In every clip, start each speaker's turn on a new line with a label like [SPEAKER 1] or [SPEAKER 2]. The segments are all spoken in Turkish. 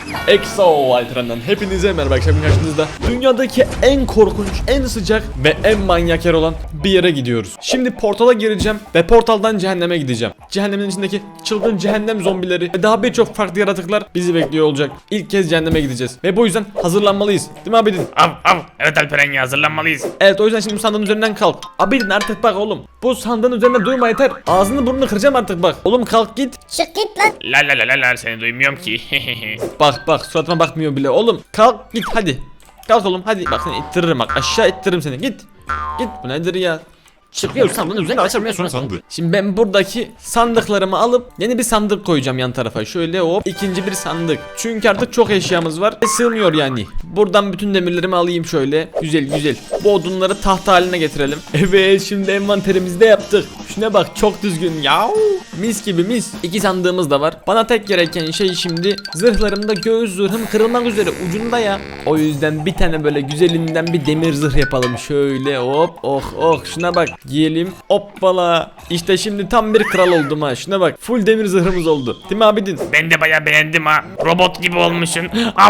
[SPEAKER 1] EXO Alperen'den hepinize merhaba. Akşam karşınızda dünyadaki en korkunç, en sıcak ve en manyak yer olan bir yere gidiyoruz. Şimdi portala gireceğim ve portaldan cehenneme gideceğim. Cehennemin içindeki çılgın cehennem zombileri ve daha birçok farklı yaratıklar bizi bekliyor olacak. İlk kez cehenneme gideceğiz ve bu yüzden hazırlanmalıyız. Değil mi Abidin?
[SPEAKER 2] Evet Alperen ya, hazırlanmalıyız.
[SPEAKER 1] Evet, o yüzden şimdi bu sandığın üzerinden kalk. Abidin artık bak oğlum. Bu sandığın üzerinde durma yeter. Ağzını burnunu kıracağım artık bak. Oğlum kalk git.
[SPEAKER 3] Çık git lan.
[SPEAKER 2] La seni duymuyorum ki.
[SPEAKER 1] Bak suratıma bakmıyor bile. Oğlum kalk git hadi. Kalk oğlum hadi. Bak seni ittiririm bak. Aşağı ittiririm seni. Git. Git. Bu nedir ya?
[SPEAKER 3] Çıkıyor sandığın üzerine açılmaya sonra sandığı.
[SPEAKER 1] Şimdi ben buradaki sandıklarımı alıp yeni bir sandık koyacağım yan tarafa. Şöyle hop, ikinci bir sandık. Çünkü artık çok eşyamız var ve sığmıyor yani. Buradan bütün demirlerimi alayım şöyle. Güzel. Bu odunları tahta haline getirelim. Evet, şimdi envanterimizi de yaptık. Şuna bak, çok düzgün ya. Mis gibi mis. İki sandığımız da var. Bana tek gereken şey şimdi zırhlarımda göğüs zırhım kırılmak üzere ucunda ya. O yüzden bir tane böyle güzelinden bir demir zırh yapalım. Şöyle hop, oh şuna bak. Giyelim. Hoppala. İşte şimdi tam bir kral oldum ha. Şuna bak. Full demir zırhımız oldu. Değil mi Abidin?
[SPEAKER 2] Ben de bayağı beğendim ha. Robot gibi olmuşsun.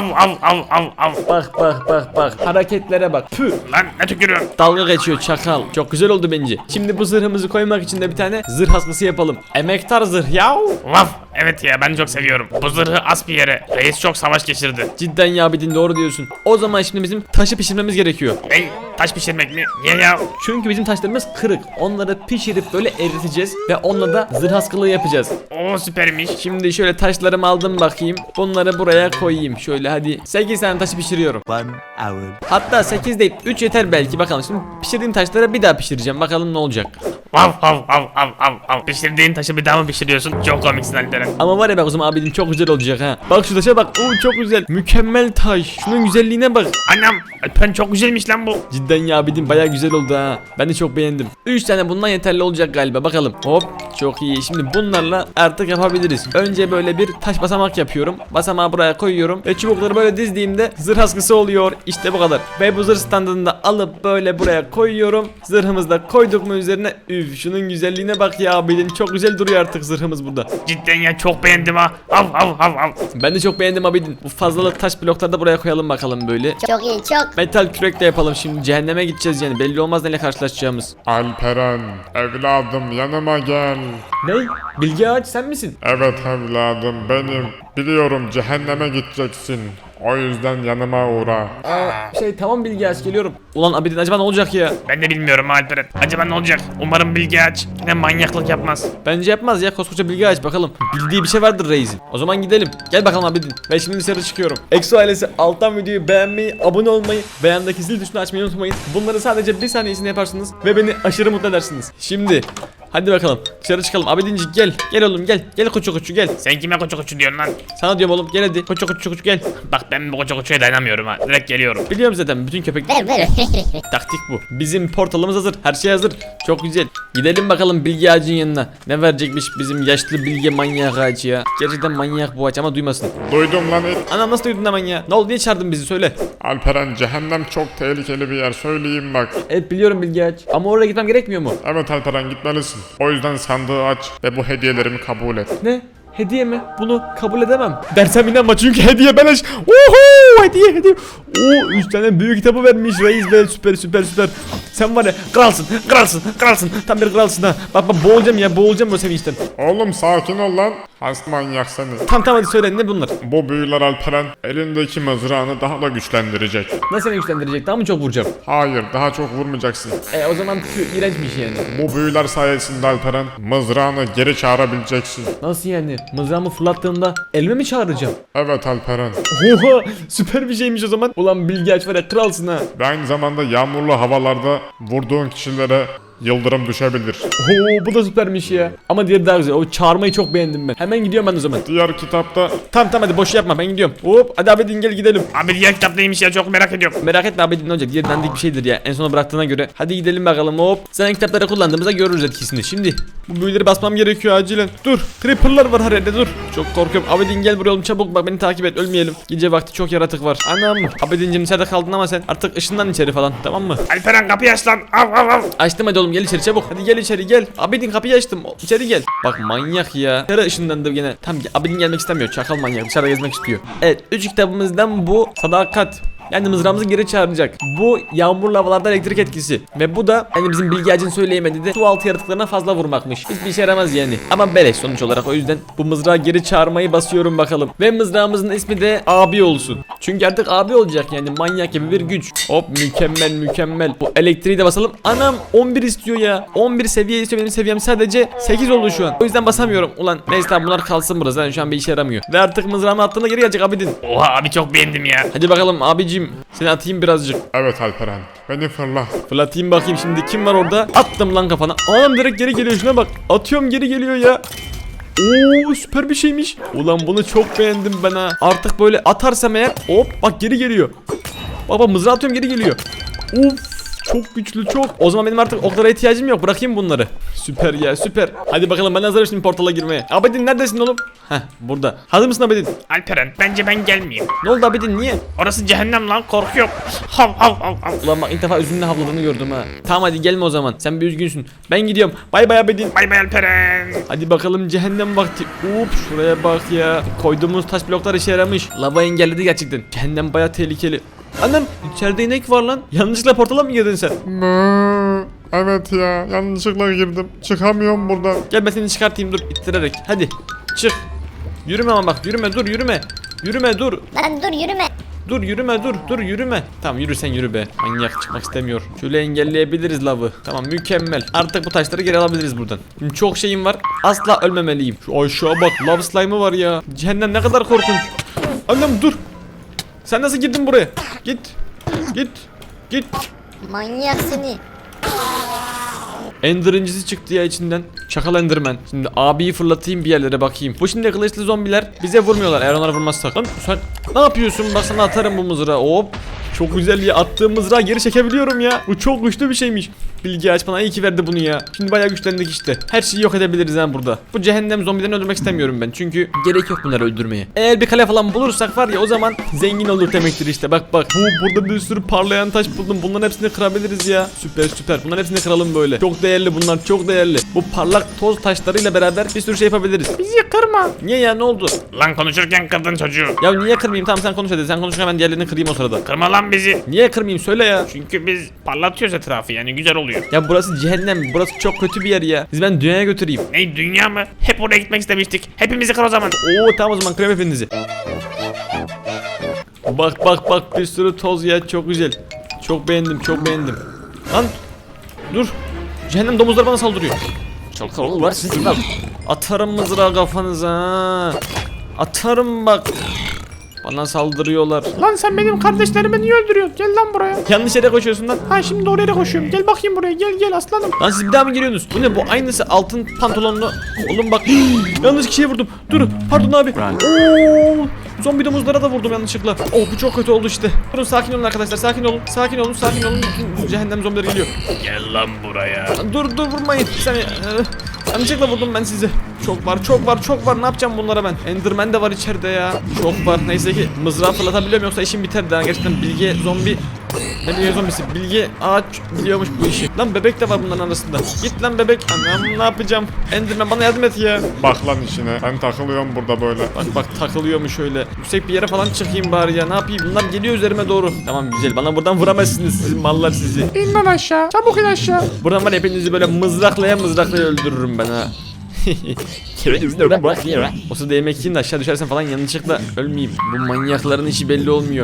[SPEAKER 2] Av.
[SPEAKER 1] Bak. Hareketlere bak. Püh.
[SPEAKER 2] Lan ne tükürüyorsun?
[SPEAKER 1] Dalga geçiyor çakal. Çok güzel oldu bence. Şimdi bu zırhımızı koymak için de bir tane zırh askısı yapalım. Emektar zırh ya.
[SPEAKER 2] Vaf. Evet ya, ben çok seviyorum. Bu zırhı as bir yere. Reis çok savaş geçirdi.
[SPEAKER 1] Cidden ya Abidin, doğru diyorsun. O zaman şimdi bizim taşı pişirmemiz gerekiyor.
[SPEAKER 2] Ey, taş pişirmek mi? Niye ya?
[SPEAKER 1] Çünkü bizim taşlarımız kırık. Onları pişirip böyle eriteceğiz ve onunla da zırh askılığı yapacağız.
[SPEAKER 2] Oo, süpermiş.
[SPEAKER 1] Şimdi şöyle taşlarımı aldım bakayım. Bunları buraya koyayım. Şöyle hadi. 8 tane taşı pişiriyorum.
[SPEAKER 4] 1 hour.
[SPEAKER 1] Hatta 8 değil, 3 yeter belki. Bakalım şimdi pişirdiğim taşları bir daha pişireceğim. Bakalım ne olacak.
[SPEAKER 2] Vav. Pişirdiğin taşı bir daha mı pişiriyorsun? Çok komiksin Alperen.
[SPEAKER 1] Ama var ya bak, o zaman abinin çok güzel olacak ha. Bak şu taşa bak. Oo, çok güzel. Mükemmel taş. Şunun güzelliğine bak.
[SPEAKER 2] Anam, Alperen çok güzelmiş lan bu.
[SPEAKER 1] Cidden ya abinin baya güzel oldu ha. Ben de çok beğendim. 3 tane bundan yeterli olacak galiba. Bakalım. Hop. Çok iyi. Şimdi bunlarla artık yapabiliriz. Önce böyle bir taş basamak yapıyorum. Basamağı buraya koyuyorum. Ve çubukları böyle dizdiğimde zırh askısı oluyor. İşte bu kadar. Ve bu zırh standını da alıp böyle buraya koyuyorum. Zırhımızı da koyduk mu üzerine. Üf, şunun güzelliğine bak ya abinin. Çok güzel duruyor artık zırhımız burada.
[SPEAKER 2] Cidden ya, çok beğendim ha. Av.
[SPEAKER 1] Ben de çok beğendim abidin. Bu fazlalık taş blokları da buraya koyalım bakalım böyle.
[SPEAKER 3] Çok iyi çok.
[SPEAKER 1] Metal kürek de yapalım şimdi. Cehenneme gideceğiz yani. Belli olmaz neyle karşılaşacağımız.
[SPEAKER 5] Alperen, evladım yanıma gel.
[SPEAKER 1] Ne? Bilge Ağaç sen misin?
[SPEAKER 5] Evet evladım benim. Biliyorum cehenneme gideceksin. O yüzden yanıma uğra.
[SPEAKER 1] Tamam Bilge Ağaç, geliyorum. Ulan abidin acaba ne olacak ya?
[SPEAKER 2] Ben de bilmiyorum Alperen. Acaba ne olacak? Umarım Bilge Ağaç yine manyaklık yapmaz.
[SPEAKER 1] Bence yapmaz ya, koskoca Bilge Ağaç, bakalım. Bildiği bir şey vardır reisin. O zaman gidelim. Gel bakalım abidin. Ben şimdi dışarı çıkıyorum. EXO ailesi alttan videoyu beğenmeyi, abone olmayı ve yandaki zil tuşunu açmayı unutmayın. Bunları sadece bir saniyesinde yaparsınız ve beni aşırı mutlu edersiniz. Şimdi hadi bakalım dışarı çıkalım. Abidincik gel. Gel oğlum gel. Gel koçu gel.
[SPEAKER 2] Sen kime koçu diyorsun lan?
[SPEAKER 1] Sana diyorum oğlum, gel hadi. Koçu gel.
[SPEAKER 2] Bak, ben bu koçuya dayanamıyorum ha. Direkt geliyorum.
[SPEAKER 1] Biliyorum zaten, bütün köpekler
[SPEAKER 3] Ver.
[SPEAKER 1] taktik bu. Bizim portalımız hazır. Her şey hazır. Çok güzel. Gidelim bakalım Bilge Ağacın yanına. Ne verecekmiş bizim yaşlı Bilge manyak ağacı ya. Gerçekten manyak bu ağaç ama duymasın.
[SPEAKER 5] Duydum lan it.
[SPEAKER 1] Anam nasıl duydun hemen ya? Ne oldu, niye çağırdın bizi, söyle.
[SPEAKER 5] Alperen, cehennem çok tehlikeli bir yer, söyleyeyim bak.
[SPEAKER 1] Evet biliyorum Bilge Ağaç. Ama oraya gitmem gerekmiyor mu?
[SPEAKER 5] Evet Alperen, gitmelisin. O yüzden sandığı aç ve bu hediyelerimi kabul et.
[SPEAKER 1] Ne? Hediye mi? Bunu kabul edemem. Dersem inanma çünkü hediye beleş. Oho, hediye. Oo, 3 tane büyük kitabı vermiş reis be, süper. Sen var ya kralsın. Tam bir kralsın ha. Bak boğulacağım bu sevinçten.
[SPEAKER 5] Oğlum sakin ol lan. Hasta manyak seni.
[SPEAKER 1] Tamam hadi söyle, ne bunlar?
[SPEAKER 5] Bu büyüler Alperen elindeki mızrağını daha da güçlendirecek.
[SPEAKER 1] Nasıl seni güçlendirecek? Daha mı çok vuracağım?
[SPEAKER 5] Hayır, daha çok vurmayacaksın.
[SPEAKER 1] O zaman iğrençmiş yani.
[SPEAKER 5] Bu büyüler sayesinde Alperen mızrağını geri çağırabileceksin.
[SPEAKER 1] Nasıl yani? Mızrağımı fırlattığımda elime mi çağıracağım?
[SPEAKER 5] Evet Alperen.
[SPEAKER 1] Oha, süper bir şeymiş o zaman. Ulan Bilge Ağaç var ya, kralsın ha.
[SPEAKER 5] Ve aynı zamanda yağmurlu havalarda vurduğun kişilere yıldırım düşebilir.
[SPEAKER 1] Oo, bu da süpermiş ya. Ama diğeri daha güzel. O çağırmayı çok beğendim ben. Hemen gidiyorum ben o zaman.
[SPEAKER 5] Diğer kitapta
[SPEAKER 1] Tamam hadi boş yapma, ben gidiyorum. Hop hadi Abidin gel gidelim.
[SPEAKER 2] Abi diğer kitap neymiş ya, çok merak ediyorum.
[SPEAKER 1] Merak etme Abidin, ne olacak? Diğer dandik bir şeydir ya. En sona bıraktığına göre. Hadi gidelim bakalım hop. Sen kitapları kullandığımızda görürüz etkisini. Şimdi bu büyüleri basmam gerekiyor acilen. Dur. Creeper'lar var her yerde, dur. Çok korkuyorum. Abidin gel buraya oğlum, çabuk bak, beni takip et, ölmeyelim. Gece vakti çok yaratık var. Anam. Abidin'cim içeride kaldın ama sen artık ışından içeri falan, tamam mı?
[SPEAKER 2] Alperen, kapıyı aç lan. Av.
[SPEAKER 1] Açtım hadi oğlum. oğlum gel içeri çabuk. Hadi gel içeri gel. Abidin kapıyı açtım. İçeri gel. Bak manyak ya. Dışarı ışınlandı gene. Tam Abidin gelmek istemiyor. Çakal manyak. Dışarıda gezmek istiyor. Evet 3 kitabımızdan bu sadakat. Yani mızrağımızı geri çağıracak. Bu yağmurlu havalarda elektrik etkisi. Ve bu da hani bizim Bilge Ağacın söyleyemedi de su altı yaratıklarına fazla vurmakmış. Hiçbir işe yaramaz yani. Ama beleş sonuç olarak, o yüzden bu mızrağı geri çağırmayı basıyorum bakalım. Ve mızrağımızın ismi de abi olsun. Çünkü artık abi olacak yani, manyak gibi bir güç. Hop mükemmel mükemmel. Bu elektriği de basalım. Anam 11 istiyor ya. 11 seviye istiyor, benim seviyem sadece 8 oldu şu an. O yüzden basamıyorum. Ulan neyse tamam, bunlar kalsın burada. Zaten şu an bir işe yaramıyor. Ve artık mızrağımı attığında geri gelecek Abidin.
[SPEAKER 2] Oha abi çok beğendim ya.
[SPEAKER 1] Hadi bakalım abicim. Seni atayım birazcık.
[SPEAKER 5] Evet Alperen, beni fırla.
[SPEAKER 1] Fırlatayım bakayım şimdi kim var orada. Attım lan kafana. Anam direkt geri geliyor, şuna bak. Atıyorum geri geliyor ya. Oo süper bir şeymiş. Ulan bunu çok beğendim ben ha. Artık böyle atarsam eğer hop bak geri geliyor. Bak mızrağı atıyorum geri geliyor. Uf çok güçlü çok. O zaman benim artık oklara ihtiyacım yok. Bırakayım bunları. Süper ya süper. Hadi bakalım ben hazırım şimdi portala girmeye. Abidin neredesin oğlum? Heh burada. Hazır mısın Abidin?
[SPEAKER 2] Alperen bence ben gelmeyeyim.
[SPEAKER 1] Ne oldu Abidin niye?
[SPEAKER 2] Orası cehennem lan, korkuyorum. Hav hav hav hav.
[SPEAKER 1] Ulan bak ilk defa üzümle havladığını gördüm ha. Tamam hadi gelme o zaman. Sen bir üzgünsün. Ben gidiyorum. Bay bay Abidin.
[SPEAKER 2] Bay bay Alperen.
[SPEAKER 1] Hadi bakalım cehennem vakti. Şuraya bak ya. Koyduğumuz taş bloklar işe yaramış. Lava engelledi gerçekten. Cehennem baya tehlikeli. Anam içeride inek var lan. Yanlışlıkla portala mı girdin sen?
[SPEAKER 5] Evet ya, yanlışlıkla girdim. Çıkamıyorum buradan.
[SPEAKER 1] Gel ben seni çıkartayım dur ittirerek. Hadi çık. Yürüme ama bak yürüme dur yürüme. Yürüme dur.
[SPEAKER 3] Lan dur yürüme.
[SPEAKER 1] Dur yürüme dur yürüme. Tamam yürü sen yürü be. Manyak çıkmak istemiyor. Şöyle engelleyebiliriz lavı. Tamam mükemmel. Artık bu taşları geri alabiliriz buradan. Şimdi çok şeyim var. Asla ölmemeliyim. Şu aşağı bak lav slime'ı var ya. Cehennem ne kadar korkunç. Annem dur. Sen nasıl girdin buraya? Git. Git.
[SPEAKER 3] Manyak seni.
[SPEAKER 1] Ender incisi çıktı ya içinden. Çakal Enderman. Şimdi abiyi fırlatayım bir yerlere bakayım. Bu şimdi kılıçlı zombiler bize vurmuyorlar eğer onlara vurmazsak. Lan sen ne yapıyorsun? Bak sana atarım bu mızrağı. Hop. Çok güzel ya, attığım mızrağı geri çekebiliyorum ya. Bu çok güçlü bir şeymiş. Bilgi aç bana iyi ki verdi bunu ya. Şimdi bayağı güçlendik işte. Her şeyi yok edebiliriz ha burada. Bu cehennem zombilerini öldürmek istemiyorum ben. Çünkü gerek yok bunları öldürmeye. Eğer bir kale falan bulursak var ya, o zaman zengin olur demektir işte. Bak. Burada bir sürü parlayan taş buldum. Bunların hepsini kırabiliriz ya. Süper. Bunların hepsini kıralım böyle. Çok değerli bunlar, çok değerli. Bu parlak toz taşlarıyla beraber bir sürü şey yapabiliriz.
[SPEAKER 2] Bizi kırma.
[SPEAKER 1] Niye ya, ne oldu?
[SPEAKER 2] Lan konuşurken kırdın çocuğu.
[SPEAKER 1] Ya niye kırmayayım? Tamam sen konuş hadi. Sen konuşurken ben diğerlerini kırayım o sırada.
[SPEAKER 2] Kırma lan bizi.
[SPEAKER 1] Niye kırmayayım söyle ya.
[SPEAKER 2] Çünkü biz parlatıyoruz etrafı, yani güzel oluyor.
[SPEAKER 1] Ya burası cehennem. Burası çok kötü bir yer ya. Siz ben dünyaya götüreyim.
[SPEAKER 2] Ne dünya mı? Hep oraya gitmek istemiştik. Hepimizi kır o zaman.
[SPEAKER 1] Oo tamam o zaman kırayım hepinizi. Bak bir sürü toz ya, çok güzel. Çok beğendim. Lan dur. Cehennem domuzlar bana saldırıyor.
[SPEAKER 3] Çok kalabalık var sizin lan.
[SPEAKER 1] Atarım mızrağı kafanıza. Atarım bak. Bana saldırıyorlar.
[SPEAKER 2] Lan sen benim kardeşlerimi niye öldürüyorsun? Gel lan buraya.
[SPEAKER 1] Yanlış yere koşuyorsun lan.
[SPEAKER 2] Ha şimdi doğru yere koşuyorum. Gel bakayım buraya. Gel aslanım.
[SPEAKER 1] Lan siz bir daha mı geliyorsunuz? Bu ne bu? Aynısı altın pantolonlu. Oğlum bak. Yanlış kişiye vurdum. Dur. Pardon abi. Oo. Zombi domuzlara da vurdum yanlışlıkla. Oh bu çok kötü oldu işte. Durun sakin olun arkadaşlar. Sakin olun. Bütün cehennem zombileri geliyor.
[SPEAKER 2] Gel lan buraya.
[SPEAKER 1] Dur vurmayın. Yanlışlıkla vurdum ben sizi. Çok var. Ne yapacağım bunlara ben? Enderman de var içeride ya. Çok var. Neyse ki mızrağı fırlatabiliyorum, yoksa işim biterdi ha. Gerçekten bilge zombi. Ne bilge zombisi? Bilge ağaç biliyormuş bu işi. Lan bebek de var bunların arasında. Git lan bebek. Anam ne yapacağım? Enderman bana yardım et ya.
[SPEAKER 5] Bak lan işine, ben takılıyorum burada böyle.
[SPEAKER 1] Bak takılıyormuş öyle. Yüksek bir yere falan çıkayım bari ya. Ne yapayım? Bunlar geliyor üzerime doğru. Tamam güzel. Bana buradan vuramazsınız. Sizin mallar sizi.
[SPEAKER 2] İn lan aşağı. Çabuk in aşağı.
[SPEAKER 1] Buradan var ya, hepinizi böyle mızraklaya öldürürüm ben ha. O sırada yemek yiyin de aşağı düşersen falan yanlışlıkla ölmeyeyim. Bu manyakların işi belli olmuyor.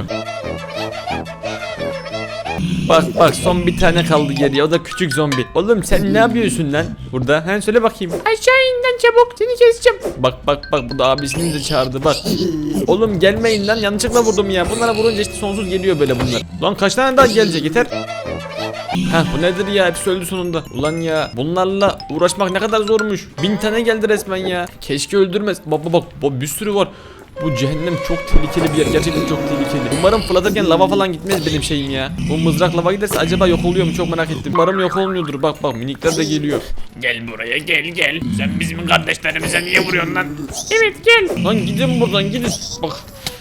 [SPEAKER 1] Bak son bir tane kaldı geriye, o da küçük zombi. Oğlum sen ne yapıyorsun lan burada? He söyle bakayım.
[SPEAKER 2] Aşağı in lan çabuk. Seni keseceğim.
[SPEAKER 1] Bak bu da abisini de çağırdı bak. Oğlum gelmeyin lan, yanlışlıkla vurdum ya. Bunlara vurunca işte sonsuz geliyor böyle bunlar. Lan kaç tane daha gelecek, yeter. Bu nedir ya, hepsi öldü sonunda. Ulan ya bunlarla uğraşmak ne kadar zormuş. 1000 tane geldi resmen ya. Keşke öldürmez. Bak bir sürü var. Bu cehennem çok tehlikeli bir yer, gerçekten çok tehlikeli. Umarım fırlatırken lava falan gitmez benim şeyim ya. Bu mızrak lava giderse acaba yok oluyor mu, çok merak ettim. Umarım yok olmuyordur. Bak minikler de geliyor.
[SPEAKER 2] Gel buraya gel. Sen bizim kardeşlerimize niye vuruyorsun lan? Evet gel.
[SPEAKER 1] Lan gidin buradan gidin. Bak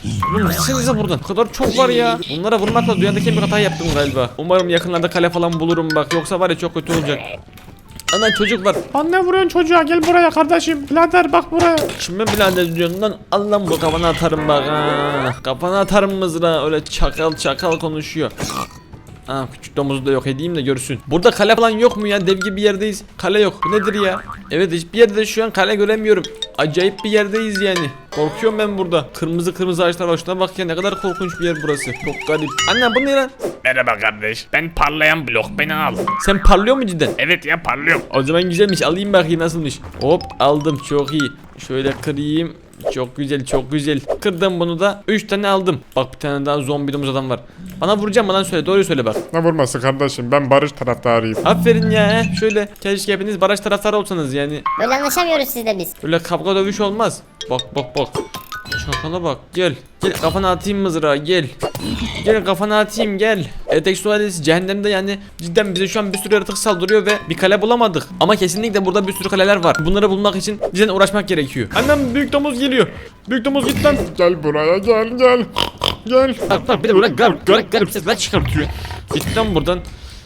[SPEAKER 1] Oğlum gitsenize buradan. O kadar çok var ya. Bunlara vurmakla dünyadaki en büyük hatayı yaptım galiba. Umarım yakınlarda kale falan bulurum bak. Yoksa var ya çok kötü olacak. Ana çocuk var.
[SPEAKER 4] Anne vuruyorsun çocuğa, gel buraya kardeşim. Birader bak buraya.
[SPEAKER 1] Şimdi birader diyorsun lan, al lan bu, kafana atarım bak ha. Kafana atarım mızrağı, öyle çakal çakal konuşuyor. Ha, küçük domuzu da yok edeyim de görsün. Burada kale falan yok mu ya? Dev gibi bir yerdeyiz. Kale yok. Bu nedir ya? Evet, hiçbir yerde şu an kale göremiyorum. Acayip bir yerdeyiz yani. Korkuyorum ben burada. Kırmızı kırmızı ağaçlar var. Şuna bak ya, ne kadar korkunç bir yer burası. Çok garip. Anne bu ne lan?
[SPEAKER 2] Merhaba kardeş. Ben parlayan blok, beni al.
[SPEAKER 1] Sen parlıyor mu cidden?
[SPEAKER 2] Evet ya, parlıyorum.
[SPEAKER 1] O zaman güzelmiş, alayım bakayım nasılmış. Hop aldım, çok iyi. Şöyle kırayım. Çok güzel, çok güzel. Kırdım bunu da. 3 tane aldım. Bak bir tane daha zombi domuz adam var. Bana vuracağım mı lan, söyle, doğruyu söyle bak.
[SPEAKER 5] Ne vurması kardeşim, ben barış taraftarıyım.
[SPEAKER 1] Aferin ya. Şöyle keşke hepiniz baraj taraftarı olsanız yani.
[SPEAKER 3] Böyle anlaşamıyoruz sizle biz.
[SPEAKER 1] Öyle kavga dövüş olmaz. Bak bak bak. Çakala bak, gel. Gel kafana atayım mızrağı, gel. Gel kafana atayım, gel. Eksualesi cehennemde yani, cidden bize şu an bir sürü yaratık saldırıyor ve bir kale bulamadık. Ama kesinlikle burada bir sürü kaleler var. Bunları bulmak için cidden uğraşmak gerekiyor. Annem, büyük domuz geliyor. Büyük domuz git lan.
[SPEAKER 5] Gel buraya, gel gel. Gel.
[SPEAKER 1] Bak bir de böyle garip sesler çıkartıyor. Git lan buradan.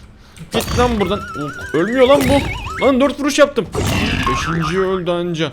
[SPEAKER 1] Git lan buradan. Ölmüyor lan bu. Lan 4 vuruş yaptım. 5. öldü anca.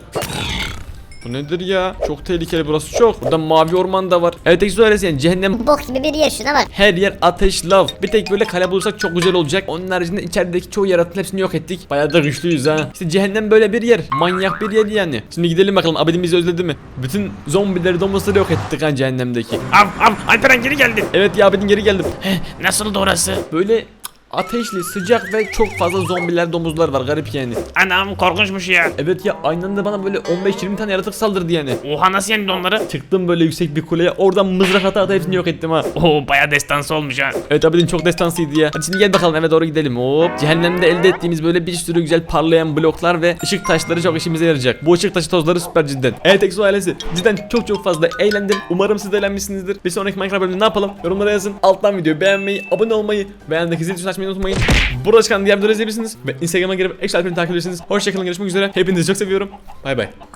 [SPEAKER 1] Bu nedir ya? Çok tehlikeli burası, çok. Burada mavi orman da var. Evet, Exoalesi yani cehennem.
[SPEAKER 3] Bok gibi bir yer, şuna bak.
[SPEAKER 1] Her yer ateş, lav. Bir tek böyle kale bulursak çok güzel olacak. Onun haricinde içerideki çoğu yaratığın hepsini yok ettik. Bayağı da güçlüyüz ha. İşte cehennem böyle bir yer. Manyak bir yer yani. Şimdi gidelim bakalım, abidin bizi özledi mi? Bütün zombileri, domuzları yok ettik ha cehennemdeki.
[SPEAKER 2] Av Alperen geri geldin.
[SPEAKER 1] Evet ya, abidin geri geldim.
[SPEAKER 2] Nasıldı orası?
[SPEAKER 1] Böyle ateşli, sıcak ve çok fazla zombiler, domuzlar var, garip yani.
[SPEAKER 2] Anam korkunçmuş ya.
[SPEAKER 1] Evet ya, aynı anda bana böyle 15-20 tane yaratık saldırdı yani.
[SPEAKER 2] Oha, nasıl yendin onları?
[SPEAKER 1] Çıktım böyle yüksek bir kuleye, oradan mızrak ata hepsini yok ettim ha.
[SPEAKER 2] Oo, baya destansı olmuş ha.
[SPEAKER 1] Evet, abidin çok destansıydı ya. Hadi şimdi gel bakalım eve doğru gidelim. Hop. Cehennemde elde ettiğimiz böyle bir sürü güzel parlayan bloklar ve ışık taşları çok işimize yarayacak. Bu ışık taşı tozları süper cidden. Evet, Exo ailesi, cidden çok fazla eğlendim. Umarım siz de eğlenmişsinizdir. Bir sonraki Minecraft bölümünde ne yapalım? Yorumlara yazın. Alttan videoyu beğenmeyi, abone olmayı, beğendeki zil tuşunu açmayı unutmayın. Burada çıkan diğer videoları izleyebilirsiniz ve Instagram'a girip Exo Alperen'i takip edebilirsiniz. Hoşçakalın, görüşmek üzere. Hepinizi çok seviyorum. Bay bay.